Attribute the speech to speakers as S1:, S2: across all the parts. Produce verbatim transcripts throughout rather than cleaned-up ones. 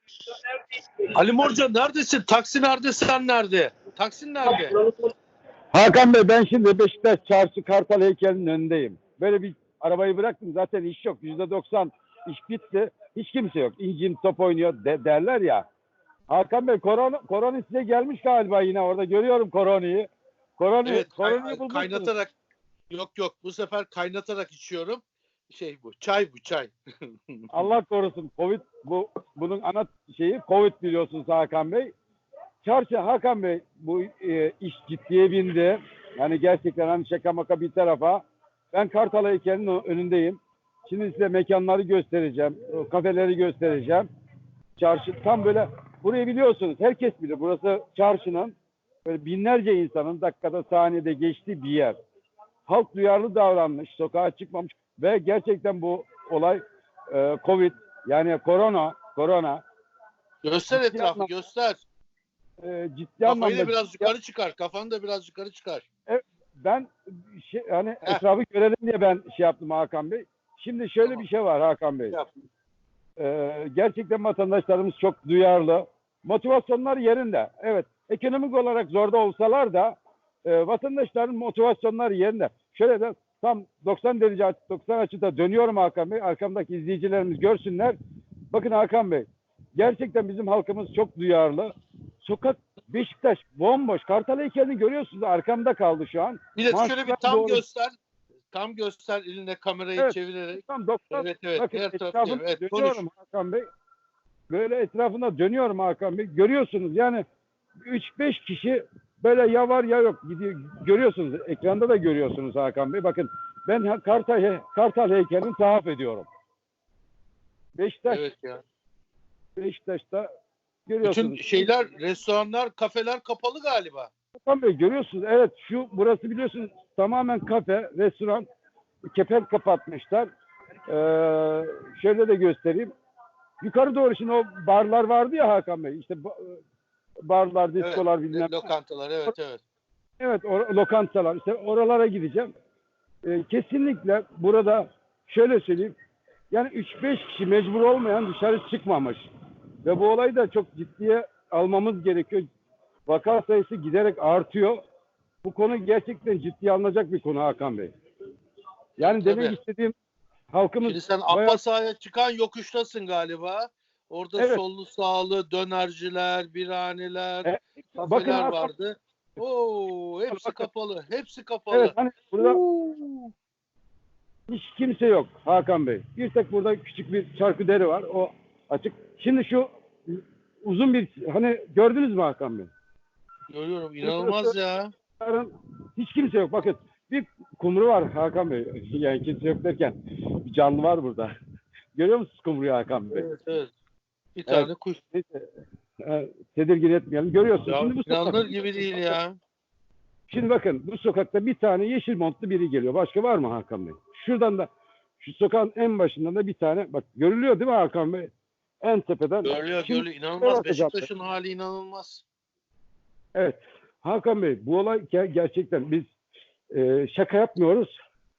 S1: Ali Morca neredesin? Taksi nerede, sen nerede? Taksin nerede?
S2: Hakan Bey, ben şimdi Beşiktaş Çarşı Kartal heykelinin önündeyim. Böyle bir arabayı bıraktım, zaten iş yok. yüzde doksan iş bitti. Hiç kimse yok. İncin top oynuyor de, derler ya. Hakan Bey, korona, korona size gelmiş galiba yine orada. Görüyorum koronayı. Korona,
S1: Evet,
S2: koronayı
S1: kay-
S2: bulmuşsunuz.
S1: kaynatarak, yok yok, bu sefer kaynatarak içiyorum. Şey bu, çay bu, çay.
S2: Allah korusun. Covid, bu bunun ana şeyi Covid biliyorsunuz Hakan Bey. Çarşı Hakan Bey, bu e, iş ciddiye bindi. Yani gerçekten hani şaka maka bir tarafa. Ben Kartal heykelinin önündeyim. Şimdi size mekanları göstereceğim. Kafeleri göstereceğim. Çarşı tam böyle, burayı biliyorsunuz. Herkes bilir. Burası çarşının böyle binlerce insanın dakikada saniyede geçtiği bir yer. Halk duyarlı davranmış. Sokağa çıkmamış. Ve gerçekten bu olay e, Covid, yani korona korona
S1: Göster
S2: ciddi
S1: etrafı,
S2: anlamda,
S1: göster.
S2: e, ciddi
S1: Kafayı
S2: anlamda
S1: da biraz
S2: ciddi-
S1: yukarı çıkar. Kafanı da biraz yukarı çıkar.
S2: ben şey, hani
S1: Heh.
S2: etrafı görelim diye ben şey yaptım Hakan Bey. Şimdi şöyle
S1: Tamam.
S2: bir şey var Hakan Bey.
S1: Yap.
S2: Ee, gerçekten vatandaşlarımız çok duyarlı. Motivasyonlar yerinde. Evet, ekonomik olarak zorda olsalar da e, vatandaşların motivasyonları yerinde. Şöyle de tam doksan derece aç- doksan açıda dönüyorum Hakan Bey. Arkamdaki izleyicilerimiz görsünler. Bakın Hakan Bey, gerçekten bizim halkımız çok duyarlı. Sokak Beşiktaş bomboş. Kartal heykelini görüyorsunuz. Arkamda kaldı şu an.
S1: Bir de şöyle bir
S2: Manşetler
S1: tam
S2: doğru.
S1: göster. Tam göster eline kamerayı
S2: Evet.
S1: çevirerek.
S2: Tam doksan.
S1: Evet evet.
S2: Bakın
S1: Her tarafı
S2: etrafına
S1: evet. Konuş.
S2: dönüyorum Hakan Bey. Böyle etrafına dönüyorum Hakan Bey. Görüyorsunuz yani üç beş kişi böyle ya var ya yok gidiyor. Görüyorsunuz. Ekranda da görüyorsunuz Hakan Bey. Bakın ben Kartal, Kartal heykelini tahaf ediyorum. Beşiktaş,
S1: Evet ya.
S2: Beşiktaş'ta
S1: Bütün
S2: görüyorsunuz.
S1: şeyler, restoranlar, kafeler kapalı galiba.
S2: Hakan Bey görüyorsunuz. Evet, şu burası biliyorsunuz tamamen kafe, restoran. Kepenk kapatmışlar. Ee, şöyle de göstereyim. Yukarı doğru şimdi o barlar vardı ya Hakan Bey. İşte barlar, diskolar
S1: Evet.
S2: bilmem.
S1: Lokantalar, evet evet.
S2: Evet, or- lokantalar. İşte oralara gideceğim. Ee, kesinlikle burada şöyle söyleyeyim. Yani üç beş kişi mecbur olmayan dışarı çıkmamış. Ve bu olayı da çok ciddiye almamız gerekiyor. Vaka sayısı giderek artıyor. Bu konu gerçekten ciddiye alınacak bir konu Hakan Bey. Yani
S1: Tabii.
S2: demek istediğim, halkımız
S1: Şimdi sen
S2: bayağı...
S1: Abbasa'ya çıkan yokuştasın galiba. Orada
S2: Evet.
S1: sollu sağlı dönerciler, birhaneler,
S2: E,
S1: kafeler
S2: bakın Hakan,
S1: vardı. Oo, hepsi
S2: bakın.
S1: kapalı. Hepsi kapalı.
S2: Evet, hani burada
S1: Oo.
S2: hiç kimse yok Hakan Bey. Bir tek burada küçük bir çarkıderi var. O açık. Şimdi şu uzun bir, hani gördünüz mü Hakan Bey?
S1: Görüyorum. İnanılmaz ya.
S2: Hiç kimse yok. Bakın bir kumru var Hakan Bey. Yani kimse yok derken bir canlı var burada. Görüyor musunuz kumruyu Hakan Bey?
S1: Evet, evet. Bir
S2: Evet.
S1: tane kuş.
S2: Neyse, e, tedirgin etmeyelim. Görüyorsunuz.
S1: Ya,
S2: Şimdi bu
S1: inanılır
S2: sokak,
S1: gibi değil ya.
S2: Şimdi bakın bu sokakta bir tane yeşil montlu biri geliyor. Başka var mı Hakan Bey? Şuradan da şu sokağın en başından da bir tane, bak görülüyor değil mi Hakan Bey? En tepeden.
S1: Görülüyor,
S2: Şimdi-
S1: görülüyor. İnanılmaz.
S2: Evet,
S1: Beşiktaş'ın hali inanılmaz.
S2: Evet. Hakan Bey, bu olay ger- gerçekten biz e, şaka yapmıyoruz.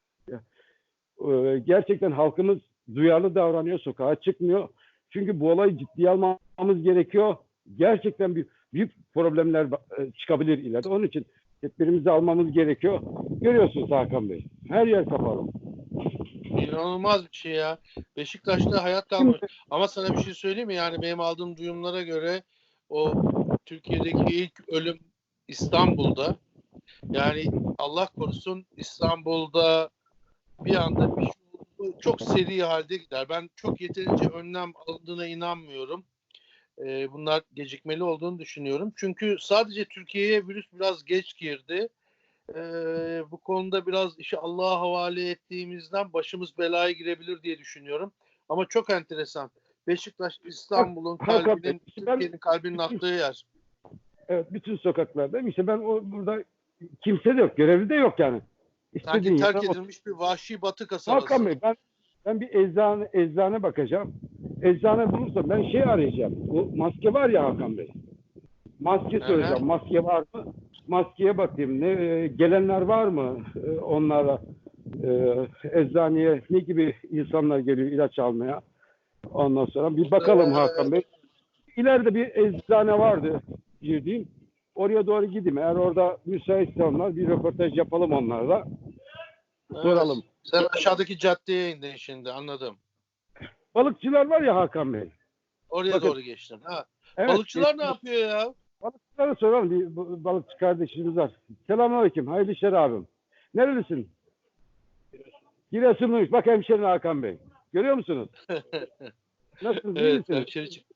S2: E, gerçekten halkımız duyarlı davranıyor, sokağa çıkmıyor. Çünkü bu olayı ciddiye almamız gerekiyor. Gerçekten bir büyük problemler e, çıkabilir ileride. Onun için tedbirimizi almamız gerekiyor. Görüyorsunuz Hakan Bey. Her yer kapalı.
S1: İnanılmaz bir şey ya. Beşiktaş'ta hayat kalmış. Ama sana bir şey söyleyeyim mi? Yani benim aldığım duyumlara göre o Türkiye'deki ilk ölüm İstanbul'da. Yani Allah korusun İstanbul'da bir anda bir şey oldu. Çok seri halde gider. Ben çok yeterince önlem alındığına inanmıyorum. Ee, bunlar gecikmeli olduğunu düşünüyorum. Çünkü sadece Türkiye'ye virüs biraz geç girdi. Ee, bu konuda biraz işi Allah'a havale ettiğimizden başımız belaya girebilir diye düşünüyorum. Ama çok enteresan. Beşiktaş İstanbul'un
S2: Hakan Bey,
S1: kalbinin,
S2: işte ben-
S1: Türkiye'nin kalbinin attığı yer.
S2: Evet, bütün sokaklarda. İşte ben o burada kimse de yok. Görevli de yok yani.
S1: Sanki
S2: İstediğin
S1: terk
S2: yere-
S1: edilmiş bir vahşi batı kasabası.
S2: Hakan Bey, ben ben bir eczane eczane bakacağım. Eczane bulursam ben şey arayacağım. Bu maske var ya Hakan Bey. Maske
S1: Hı hı.
S2: soracağım. Maske var mı? Maskeye bakayım. Ne e, gelenler var mı? E, onlara e, eczaneye ne gibi insanlar geliyor ilaç almaya? Ondan sonra bir bakalım Hakan Bey. İleride bir eczane vardı girdiğim. Oraya doğru gideyim. Eğer orada müsaitse onlar bir röportaj yapalım onlarla. Soralım.
S1: Evet. Sen aşağıdaki caddeye indin şimdi, anladım.
S2: Balıkçılar var ya Hakan Bey.
S1: Oraya
S2: Bakın.
S1: doğru geçtin. Ha.
S2: Evet,
S1: Balıkçılar ne yapıyor ya?
S2: balıkçılara soralım. Bir bu- balıkçı kardeşimiz var. Selamünaleyküm. Hayırlı işler abim. Nerelisin? Giresunluymuş. Bak hemşerin Hakan Bey. Görüyor musunuz? Nasılsınız? iyi
S1: Evet,
S2: misiniz?
S1: hemşeri çık-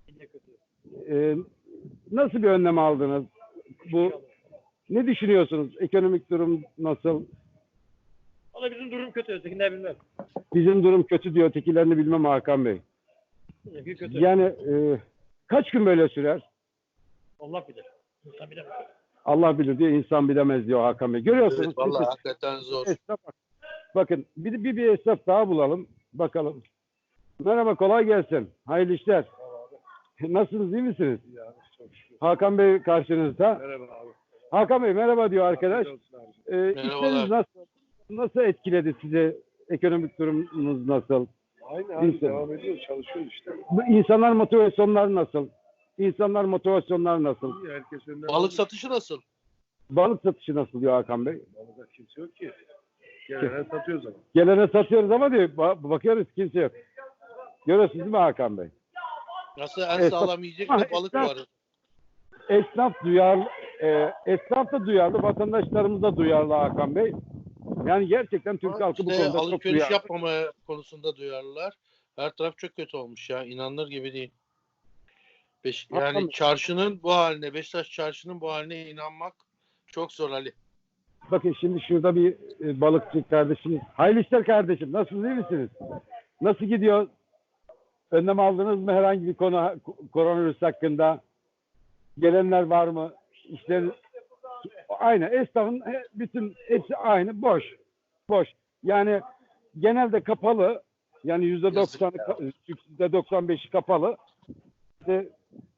S2: Ee, nasıl bir önlem aldınız? Bu ne düşünüyorsunuz? Ekonomik durum nasıl?
S3: Valla bizim durum kötü. Ötekinden bilmem.
S2: Bizim durum kötü diyor. Ötekilerini bilmem Hakan Bey.
S3: Öteki kötü.
S2: Yani e, kaç gün böyle sürer?
S3: Allah bilir. İnsan bilemez.
S2: Allah bilir diyor, insan bilemez diyor Hakan Bey. Görüyorsunuz.
S1: Evet, vallahi
S2: Biz-
S1: hakikaten zor.
S2: esnaf bak- Bakın bir, bir, bir esnaf daha bulalım. Bakalım. Merhaba, kolay gelsin. Hayırlı işler. Nasılsınız, iyi misiniz? Hakan Bey karşınızda.
S4: Merhaba abi.
S2: Hakan Bey merhaba diyor arkadaş. Ee,
S1: Merhabalar.
S2: işleriniz nasıl? Nasıl etkiledi sizi? Ekonomik durumunuz nasıl?
S4: Aynı abi
S2: İnsan.
S4: devam ediyoruz, çalışıyoruz işte.
S2: Bu İnsanlar motivasyonları nasıl? İnsanlar motivasyonları nasıl?
S4: İyi, herkes önden
S1: Balık satışı nasıl?
S2: Balık satışı nasıl diyor Hakan Bey?
S4: Balıkta kimse yok ki. Gelene satıyoruz ama.
S2: Gelene satıyoruz ama diyor, ba- bakıyoruz kimse yok. Görüyorsunuz değil mi Hakan Bey?
S1: Nasıl en
S2: Evet,
S1: sağlam yiyecek
S2: Ha,
S1: de balık
S2: esnaf-
S1: var.
S2: Esnaf duyarlı, e, esnaf da duyarlı, vatandaşlarımız da duyarlı Hakan Bey. Yani gerçekten Türk halkı bu
S1: İşte
S2: konuda çok
S1: alışveriş
S2: duyarlı.
S1: yapmama konusunda duyarlılar. Her taraf çok kötü olmuş ya. İnanılır gibi değil. Beş,
S2: Hakan
S1: yani
S2: Bey.
S1: çarşının bu haline, Beşiktaş çarşının bu haline inanmak çok zor Ali.
S2: Bakın şimdi şurada bir e, balıkçı kardeşimiz. Hayırlı işler kardeşim. Nasılsınız, iyi misiniz? Nasıl gidiyor? Önlem aldınız mı herhangi bir konu ko- koronavirüs hakkında? Gelenler var mı? İşler aynı. Esnafın he- bütün hepsi aynı. Boş. Boş. Yani genelde kapalı. Yani yüzde doksan, yüzde doksan beşi kapalı. İşte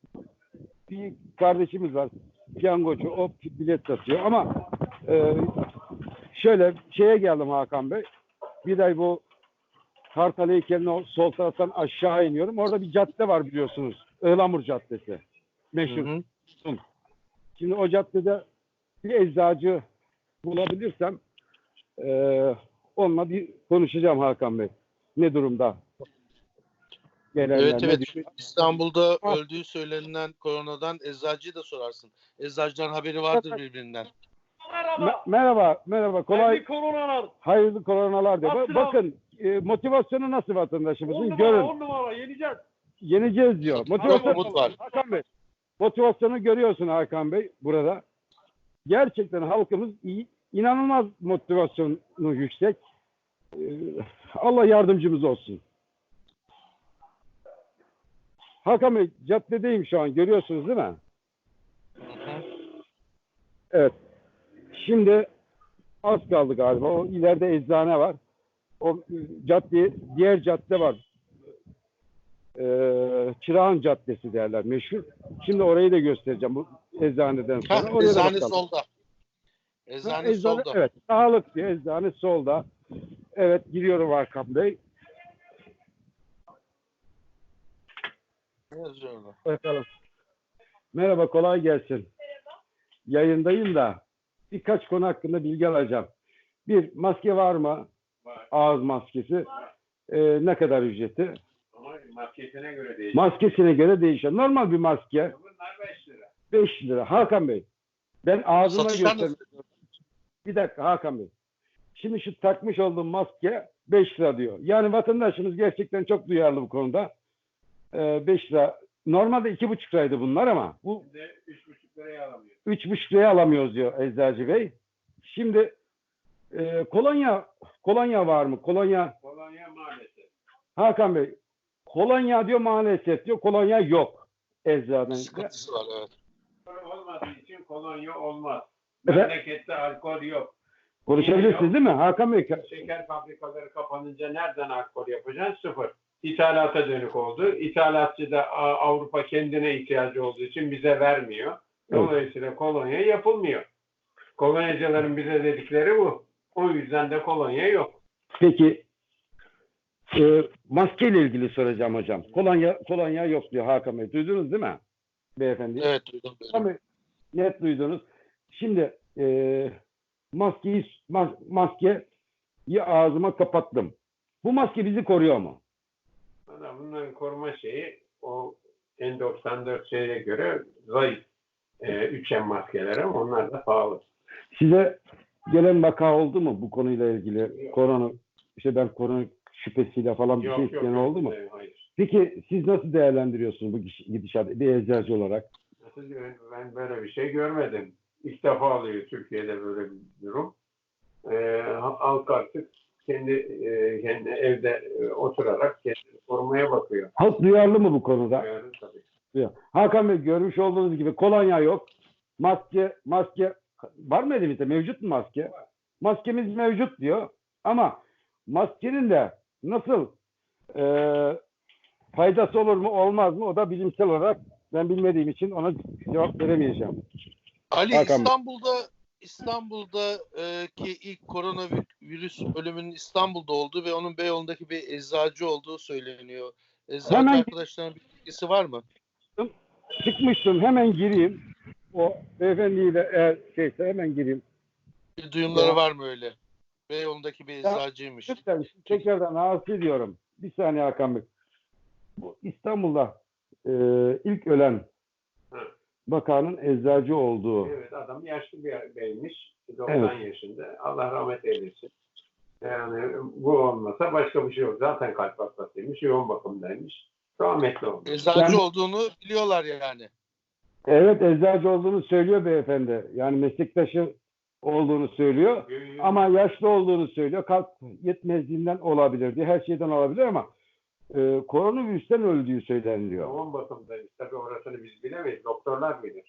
S2: bir kardeşimiz var. Piyangocu. O bilet satıyor. Ama e, şöyle şeye geldim Hakan Bey. Bir ay bu Kartal heykelinin sol taraftan aşağı iniyorum. Orada bir cadde var biliyorsunuz. Ihlamur Caddesi. Meşhur.
S1: Hı hı.
S2: Şimdi o caddede bir eczacı bulabilirsem eee onunla bir konuşacağım Hakan Bey. Ne durumda? Gelenler
S1: Evet
S2: ne
S1: evet.
S2: düşünüyor?
S1: İstanbul'da
S2: Ah.
S1: öldüğü söylenilen koronadan eczacıyı da sorarsın. Eczacıların haberi vardır birbirinden.
S3: Merhaba.
S2: Me- merhaba, merhaba. Kolay,
S3: Hayırlı koronalar.
S2: hayırlı koronalar diyor. Ba-
S3: Nasılsın
S2: bakın e, motivasyonu nasıl
S3: On
S2: vatandaşımızın?
S3: numara,
S2: Görün.
S3: on numara. Yeneceğiz.
S2: Yeneceğiz diyor.
S1: Çok
S2: Motivasyon
S1: umut var.
S2: Hakan Bey. Motivasyonu görüyorsun Hakan Bey burada. Gerçekten halkımız iyi, inanılmaz motivasyonu yüksek. Ee, Allah yardımcımız olsun. Hakan Bey caddedeyim şu an, görüyorsunuz değil mi?
S1: Hı hı.
S2: Evet. Şimdi az kaldı galiba. O ileride eczane var. O e, cadde, diğer cadde var. Ee, Çırağan Caddesi derler meşhur. Şimdi orayı da göstereceğim bu eczaneden sonra.
S1: Ha,
S2: Oraya da
S1: eczane
S2: bakalım.
S1: solda.
S2: Ha,
S1: Eczane
S2: eczane,
S1: solda.
S2: evet. Sağlık diye eczane solda. Evet, giriyorum Hakan Bey.
S1: Ne yazıyor orada?
S2: Bakalım. Merhaba, kolay gelsin. Yayındayım da birkaç konu hakkında bilgi alacağım. Bir, maske var mı?
S4: Var.
S2: Ağız maskesi. Ee, ne kadar ücreti?
S4: Ama maskesine göre değişiyor.
S2: Maskesine göre değişiyor. Normal bir maske
S4: Bunlar beş lira.
S2: beş lira. Hakan Bey, ben ağzıma
S1: Satışlar
S2: göstermek
S1: nasıl?
S2: Bir dakika Hakan Bey. Şimdi şu takmış olduğum maske beş lira diyor. Yani vatandaşımız gerçekten çok duyarlı bu konuda. Ee, beş lira. Normalde iki buçuk liraydı bunlar ama bu
S4: Şimdi üç buçuk liraya alamıyor.
S2: üç buçuk liraya alamıyoruz diyor Eczacı Bey. Şimdi e, kolonya kolonya var mı? Kolonya
S4: Kolonya maalesef.
S2: Hakan Bey, kolonya diyor maalesef diyor. Kolonya yok eczacının.
S1: Sıkıntısı var evet.
S4: Alkol olmadığı için kolonya olmaz.
S2: Evet.
S4: Memlekette alkol yok.
S2: Konuşabilirsiniz değil mi Hakan Bey?
S4: Şeker fabrikaları kapanınca nereden alkol yapacaksın? Sıfır. İthalata dönük oldu. İthalatçı da A- Avrupa kendine ihtiyacı olduğu için bize vermiyor. Dolayısıyla kolonya yapılmıyor. Kolonyacıların bize dedikleri bu. O yüzden de kolonya yok.
S2: Peki e, maske ile ilgili soracağım hocam. Kolonya kolonya yok diyor Hakan Bey. Duydunuz değil mi beyefendi?
S1: Evet duydum.
S2: Tabii net duydunuz. Şimdi e, maskeyi mas, maskeyi ağzıma kapattım. Bu maske bizi koruyor mu?
S4: Valla bunların koruma şeyi o N doksan dört şeye göre zayıf. E, üç M maskeleri onlar da pahalı.
S2: Size gelen vaka oldu mu bu konuyla ilgili? Korona, işte ben korona şüphesiyle falan bir
S4: Yok
S2: şey
S4: yok,
S2: isteyen
S4: yok.
S2: oldu mu?
S4: E, hayır.
S2: Peki siz nasıl değerlendiriyorsunuz bu gidişatı bir eczacı olarak?
S4: Nasıl ben, ben böyle bir şey görmedim. İlk defa oluyor Türkiye'de böyle bir durum. E, halk artık kendi, e, kendi evde e, oturarak kendini korumaya bakıyor.
S2: Halk duyarlı mı bu konuda?
S4: Yani, tabii.
S2: Duyar. Hakan Bey görmüş olduğunuz gibi kolonya yok. Maske, maske var mı elimizde? Mevcut mu maske? Maskemiz mevcut diyor. Ama maskenin de nasıl e, faydası olur mu olmaz mı? O da bilimsel olarak ben bilmediğim için ona cevap veremeyeceğim.
S1: Ali
S2: Hakan Bey.
S1: İstanbul'da İstanbul'da e, ki ilk koronavirüs ölümünün İstanbul'da olduğu ve onun Beyoğlu'ndaki bir eczacı olduğu söyleniyor. Eczacı
S2: Hemen-
S1: arkadaşların bir bilgisi var mı?
S2: Çıkmıştım hemen gireyim. O beyefendiyle eğer şeyse hemen gireyim.
S1: Bir duyumları
S2: Ya.
S1: var mı öyle? Beyoğlu'ndaki bir eczacıymış.
S2: Lütfen tekrardan rahatsız ediyorum. Bir saniye Hakan Bey. Bu İstanbul'da e, ilk ölen
S4: Hı.
S2: bakanın eczacı olduğu.
S4: Evet, adam yaşlı bir beymiş. doksan yaşında. Allah rahmet eylesin. Yani bu olmasa başka bir şey yok. Zaten kalp hastasıymış. Yoğun bakımdaymış. Rahmetli olmuş.
S1: Eczacı
S2: Yani-
S1: olduğunu biliyorlar yani.
S2: Evet eczacı olduğunu söylüyor beyefendi. Yani meslektaşı olduğunu söylüyor. Ama yaşlı olduğunu söylüyor. Kalp yetmezliğinden olabilir diye. Her şeyden olabilir ama e, koronavirüsten öldüğü söyleniliyor.
S4: Yoğun bakımdaymış. Tabii orasını biz bilemeyiz. Doktorlar bilir.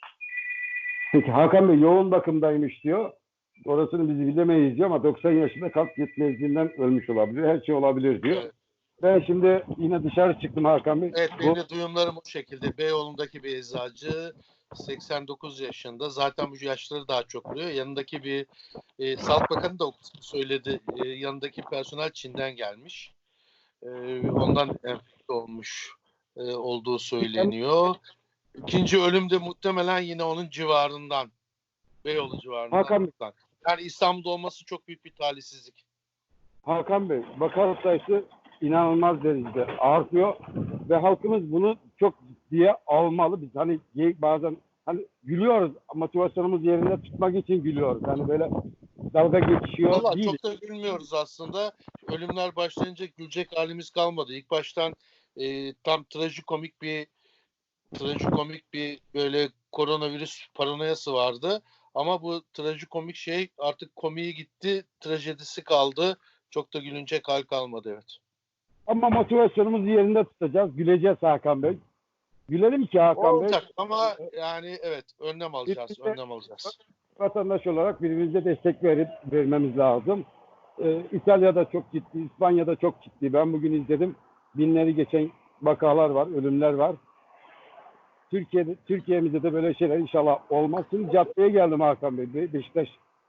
S2: Peki Hakan Bey yoğun bakımdaymış diyor. Orasını biz bilemeyiz diyor ama doksan yaşında kalp yetmezliğinden ölmüş olabilir. Her şey olabilir diyor.
S1: Evet.
S2: Ben şimdi yine dışarı çıktım Hakan Bey.
S1: Evet
S2: Bu-
S1: benim de duyumlarım o şekilde. Beyoğlu'ndaki bir eczacı seksen dokuz yaşında. Zaten bu yaşları daha çok oluyor. Yanındaki bir e, Sağlık Bakanı da o kısmı söyledi. E, yanındaki personel Çin'den gelmiş. E, ondan enfekte olmuş e, olduğu söyleniyor. İkinci ölüm de muhtemelen yine onun civarından. Beyoğlu civarından.
S2: Hakan Bey.
S1: Yani İstanbul'da olması çok büyük bir talihsizlik.
S2: Hakan Bey, vaka sayısı inanılmaz derecede artıyor ve halkımız bunu çok ciddiye almalı. Biz hani bazen hani gülüyoruz, motivasyonumuz yerinde tutmak için gülüyoruz. Hani böyle dalga geçiyor
S1: Vallahi
S2: değil.
S1: çok da gülmüyoruz aslında. Ölümler başlayınca gülecek halimiz kalmadı. İlk baştan e, tam trajikomik bir trajikomik bir böyle koronavirüs paranoyası vardı. Ama bu trajikomik şey artık komiği gitti, trajedisi kaldı. Çok da gülünecek hal kalmadı evet.
S2: Ama motivasyonumuzu yerinde tutacağız, güleceğiz Hakan Bey. Gülelim ki Hakan Bey,
S1: Olacak ama yani evet önlem alacağız, önlem alacağız.
S2: vatandaş olarak birbirimize destek verip vermemiz lazım. Ee, İtalya'da çok ciddi, İspanya'da çok ciddi. Ben bugün izledim. Binleri geçen vakalar var, ölümler var. Türkiye'de, Türkiye'mizde de böyle şeyler inşallah olmaz. Şimdi caddeye geldim Hakan Bey. Be- Beşiktaş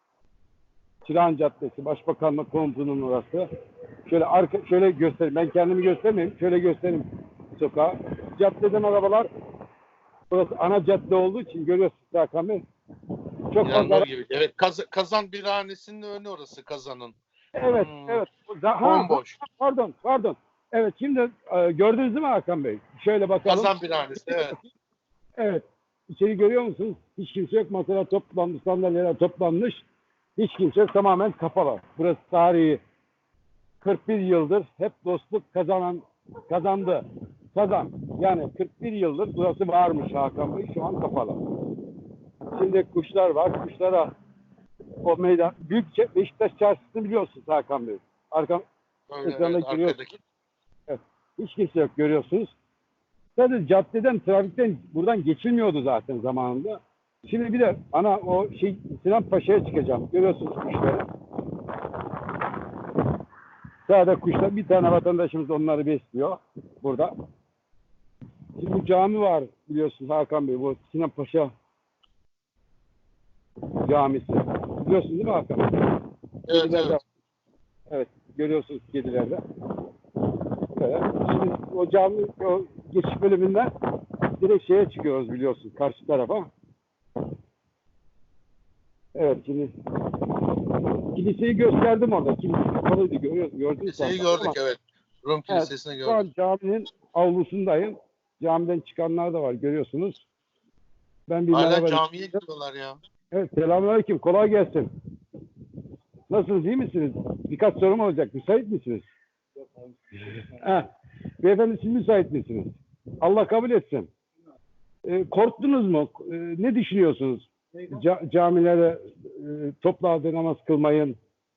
S2: Çırağan Caddesi, Başbakanlık komutunun orası. Şöyle arka, şöyle göstereyim. Ben kendimi göstermeyeyim. Şöyle göstereyim sokağı. Caddeden arabalar, burası ana cadde olduğu için görüyorsunuz Hakan Bey. Çok fazla.
S1: İnanılır gibi. Evet Kaz- Kazan Birhanesi'nin önü orası Kazan'ın.
S2: Evet,
S1: Hmm.
S2: evet. Ha, ha,
S1: Bomboş.
S2: pardon, pardon. Evet, şimdi e, gördünüz değil mi Hakan Bey? Şöyle bakalım.
S1: Kazan Birhanesi evet.
S2: Evet. İçeri görüyor musunuz? Hiç kimse yok. Masalar toplanmış, sandalyeler toplanmış. Hiç kimse yok. Tamamen kapalı. Burası tarihi. kırk bir yıldır hep dostluk kazanan kazandı. Kazan. Yani kırk bir yıldır burası varmış Hakan Bey. Şu an kapalı. Şimdi kuşlar var. Kuşlara o meydan. Büyük Çe- Beşiktaş Çarşısı'nı biliyorsunuz Hakan Bey. Arka,
S1: Öyle,
S2: Ekranda
S1: evet
S2: görüyoruz.
S1: arkadaki.
S2: hiç kimse yok görüyorsunuz. Sadece caddeden, trafikten buradan geçilmiyordu zaten zamanında. Şimdi bir de ana o şey Sinan Paşa'ya çıkacağım. Görüyorsunuz kuşları. Sadece kuşlar, bir tane vatandaşımız onları besliyor burada. Şimdi bu cami var biliyorsunuz Hakan Bey. Bu Sinan Paşa camisi. Biliyorsunuz değil mi Hakan Bey?
S1: Evet,
S2: Kedilerde-
S1: evet.
S2: Evet, görüyorsunuz kedilerde. Böyle. Şimdi o cami o geçiş bölümünden direkt şeye çıkıyoruz biliyorsun karşı tarafa. Evet şimdi kiliseyi gösterdim orada. Kilise kapalıydı görüyor, gördünüz
S1: Kiliseyi
S2: zaten.
S1: gördük
S2: Ama-
S1: evet. Rum
S2: Evet,
S1: Kilisesi'ni
S2: şu an
S1: gördük.
S2: caminin avlusundayım. Camiden çıkanlar da var görüyorsunuz. Ben bir
S1: Hala
S2: merhaba
S1: camiye
S2: diyeyim.
S1: gidiyorlar ya.
S2: Evet selamünaleyküm. Kolay gelsin. Nasılsınız? İyi misiniz? Birkaç sorum olacak. Müsait misiniz? Ha, beyefendi siz müsait misiniz? Allah kabul etsin. Ee, korktunuz mu? Ee, ne düşünüyorsunuz? Ca- camilere e, toplu halde namaz kılmayın.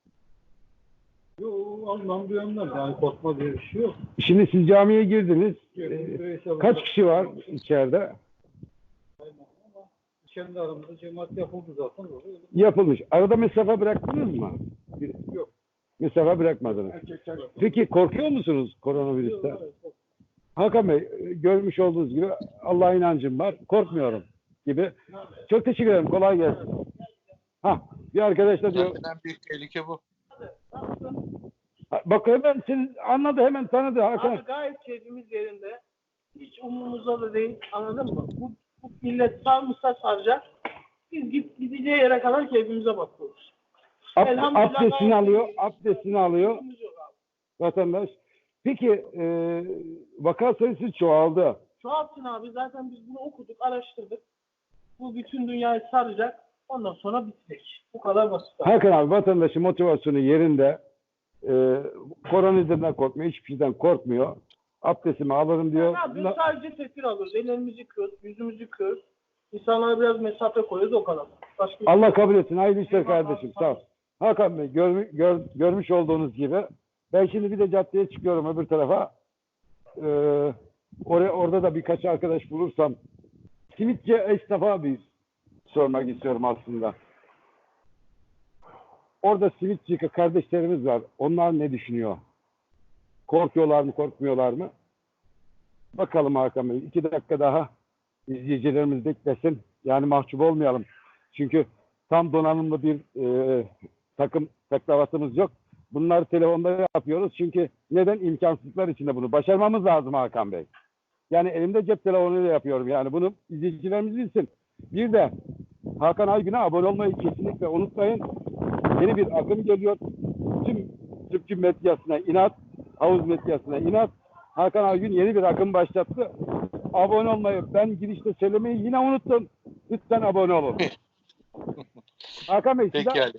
S3: Yok Allah'ım duyanlar. Yani korkma diye bir şey yok.
S2: Şimdi siz camiye girdiniz.
S3: Yok,
S2: Ee,
S3: bireysel
S2: kaç
S3: olarak-
S2: kişi var içeride?
S3: Aynen ama kendi aramızda cemaat yapıldı zaten. Öyle.
S2: Yapılmış. Arada mesafe bıraktınız mı?
S3: Yok.
S2: Mesafe bırakmadınız.
S3: Erkekler yok.
S2: Peki korkuyor musunuz koronavirüsten?
S3: Yok, evet.
S2: Hakan Bey, görmüş olduğunuz gibi Allah'a inancım var. Korkmuyorum gibi. Çok teşekkür ederim. Kolay gelsin. Ha, bir arkadaş da diyor.
S1: Zaten en büyük tehlike bu.
S2: Ha, bak hemen siz anladı, hemen tanıdı Hakan.
S5: Abi gayet keyfimiz yerinde. Hiç umurumuzda da değil. Anladın mı? Bu, bu millet sarmışsa saracak. Biz git, gideceği yere kadar keyfimize bakıyoruz.
S2: Ab-
S5: Elhamdülillah
S2: abdestini
S5: gayet
S2: alıyor,
S5: iyi.
S2: abdestini alıyor
S5: Keyfimiz yok abi.
S2: vatandaş. Peki e, vaka sayısı çoğaldı.
S5: Çoğaltsın abi. Zaten biz bunu okuduk, araştırdık. Bu bütün dünyayı saracak. Ondan sonra bitecek. Bu kadar basit. abi.
S2: Hakan abi vatandaşın motivasyonu yerinde. E, koronavirüsten korkmuyor, hiçbir şeyden korkmuyor. Abdestimi alırım diyor.
S5: Ne yapıyoruz?
S2: Na-
S5: Sadece tedbir alıyoruz. Ellerimizi yıkıyoruz, yüzümüzü yıkıyoruz. İnsanlara biraz mesafe koyuyoruz o kadar. Başka bir şey
S2: Allah
S5: yok.
S2: kabul etsin. Hayırlı işler
S5: Eyvallah,
S2: kardeşim.
S5: sağ
S2: Sağ ol.
S5: ol.
S2: Hakan Bey gör, gör, görmüş olduğunuz gibi ben şimdi bir de caddeye çıkıyorum öbür tarafa. Ee, oraya, orada da birkaç arkadaş bulursam simitçi esnafa bir sormak istiyorum aslında. Orada simitçi kardeşlerimiz var. Onlar ne düşünüyor? Korkuyorlar mı, korkmuyorlar mı? Bakalım Hakan Bey. İki dakika daha izleyicilerimiz beklesin. Yani mahcup olmayalım. Çünkü tam donanımlı bir e, takım taklavatımız yok. Bunları telefonda yapıyoruz. Çünkü neden? İmkansızlıklar içinde bunu. Başarmamız lazım Hakan Bey. Yani elimde cep telefonuyla yapıyorum. Yani bunu izleyicilerimiz bilsin. Bir de Hakan Aygün'e abone olmayı kesinlikle unutmayın. Yeni bir akım geliyor. Tüm Türkçü medyasına inat, havuz medyasına inat. Hakan Aygün yeni bir akım başlattı. Abone olmayı ben girişte söylemeyi yine unuttum. Lütfen abone olun. Hakan Bey size
S1: Peki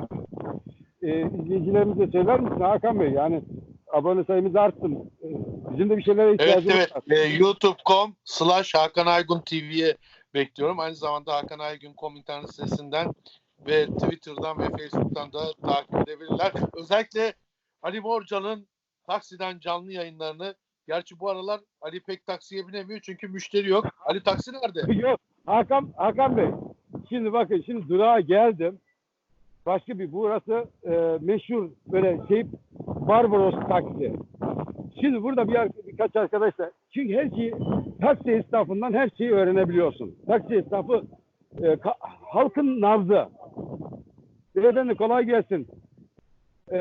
S2: e, izleyicilerimize söyler misin Hakan Bey? Yani abone sayımız artsın. E, bizim de bir şeylere
S1: Evet
S2: ihtiyacımız
S1: evet.
S2: var.
S1: Ee, youtube nokta com slash Hakan Aygun T V'ye bekliyorum. Aynı zamanda Hakan Aygun nokta com internet sitesinden ve Twitter'dan ve Facebook'tan da takip edebilirler. Özellikle Ali Morcan'ın taksiden canlı yayınlarını, gerçi bu aralar Ali pek taksiye binemiyor çünkü müşteri yok. Ali taksi nerede?
S2: Yok. Hakan, Hakan Bey. Şimdi bakın şimdi durağa geldim. Başka bir burası e, meşhur böyle şey Barbaros taksi. Şimdi burada bir ar- birkaç arkadaşlar çünkü her şeyi taksi esnafından her şeyi öğrenebiliyorsun. Taksi esnafı e, ka- halkın nabzı. Beyefendi kolay gelsin. E,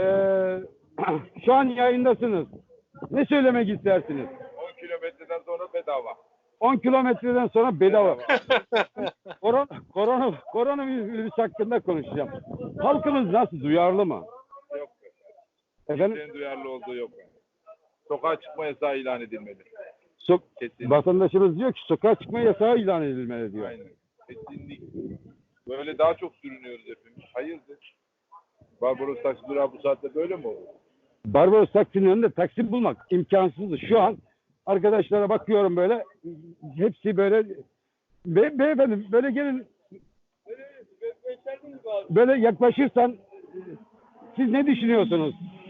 S2: şu an yayındasınız. Ne söylemek istersiniz?
S6: on kilometreden sonra bedava.
S2: on kilometreden sonra bedava. korona, korona, koronavirüs hakkında konuşacağım. Halkımız nasıl? Duyarlı mı?
S6: Yok.
S2: Efendim?
S6: Kimsenin duyarlı olduğu yok. Sokağa çıkma yasağı ilan edilmeli.
S2: So-
S6: Kesinlikle.
S2: vatandaşımız diyor ki sokağa çıkma yasağı ilan edilmeli diyor.
S6: Aynen. Kesinlikle. Böyle daha çok sürünüyoruz hepimiz. Hayırdır? Barbaros taksi durağı bu saatte böyle mi olur?
S2: Barbaros taksinin önünde taksi bulmak imkansızdı. Şu an arkadaşlara bakıyorum böyle hepsi böyle Be beyefendi böyle gelin böyle yaklaşırsan siz ne düşünüyorsunuz?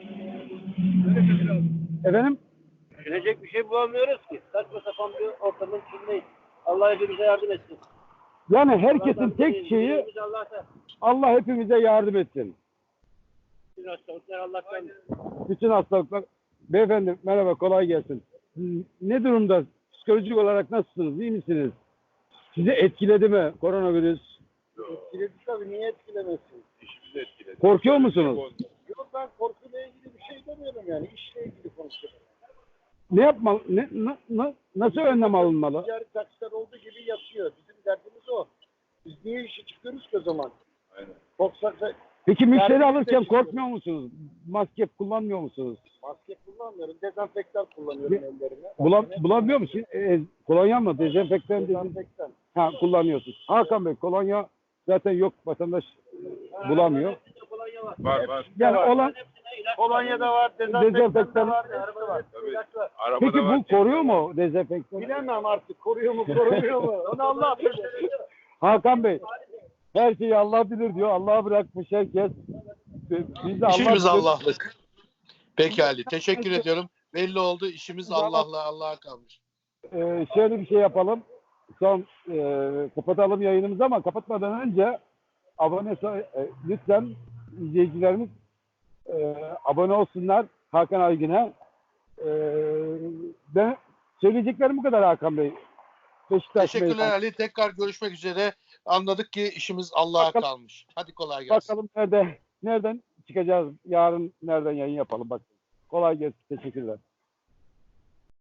S2: Efendim?
S3: Düşünecek bir şey bulamıyoruz ki. Saçma sapan bir ortamın içindeyiz. Allah hepimize yardım etsin.
S2: Yani herkesin tek şeyi
S3: Dileğimiz Allah'tan.
S2: Allah hepimize yardım etsin.
S3: Bütün hastalıklar Allah'tan.
S2: Bütün hastalıklar. Beyefendi merhaba kolay gelsin. Ne durumda? Psikolojik olarak nasılsınız? İyi misiniz? Sizi etkiledi mi koronavirüs?
S3: Etkiledi tabii. Niye etkilemesin?
S6: İşimizi etkiledi.
S2: Korkuyor musunuz?
S3: Yok ben korkuyla ilgili bir şey demiyorum yani. İşle ilgili konuşuyorum.
S2: Ne yapmalı? Ne, na- na- nasıl önlem alınmalı?
S7: Ticari taksiler olduğu gibi yatıyor. Bizim derdimiz o. Biz niye işe çıkıyoruz ki o zaman?
S6: Aynen.
S7: Korksak da
S2: Peki müşteri
S7: Yani biz de
S2: alırken
S7: çıkıyoruz.
S2: korkmuyor musunuz? Maske kullanmıyor musunuz?
S7: maske kullanmıyorum. Dezenfektan kullanıyorum
S2: Ne-
S7: ellerime.
S2: Bulam,
S7: Başka ne
S2: bulamıyor musun? E, kolonya mı? Dezenfektan dedin.
S7: Dezenfektan.
S2: Ha, kullanıyorsunuz. Hakan Bey, kolonya zaten yok. Vatandaş e, bulamıyor.
S6: Var var.
S2: Yani
S7: var.
S2: olan
S7: Kolonya da var, dezenfektan
S2: Dezenfektan-
S7: da var, hepsi var.
S6: Tabii.
S7: İlaç var.
S6: Arabada
S2: peki
S6: var.
S2: bu koruyor mu dezenfektan?
S7: Bilemem artık koruyor mu korumuyor mu? Onu Allah bilir.
S2: Hakan Bey, her şeyi Allah bilir diyor. Allah'a bırakmış herkes. Biz de Allah
S1: İşimiz
S2: bilir.
S1: Allah'lık. Pekala. Teşekkür ediyorum. Belli oldu. İşimiz Allah'la Allah'a kalmış.
S2: Ee, şöyle bir şey yapalım. Son e, kapatalım yayınımızı ama kapatmadan önce abone so- e, lütfen izleyicilerimiz e, abone olsunlar Hakan Aygün'e. E, ben söyleyeceklerim bu kadar Hakan Bey. Beşiktaş
S1: Teşekkürler
S2: Bey.
S1: Ali. Tekrar görüşmek üzere. Anladık ki işimiz Allah'a
S2: Bakalım.
S1: kalmış. Hadi kolay gelsin.
S2: Bakalım nerede nereden çıkacağız? Yarın nereden yayın yapalım bak. Kolay gelsin. Teşekkürler.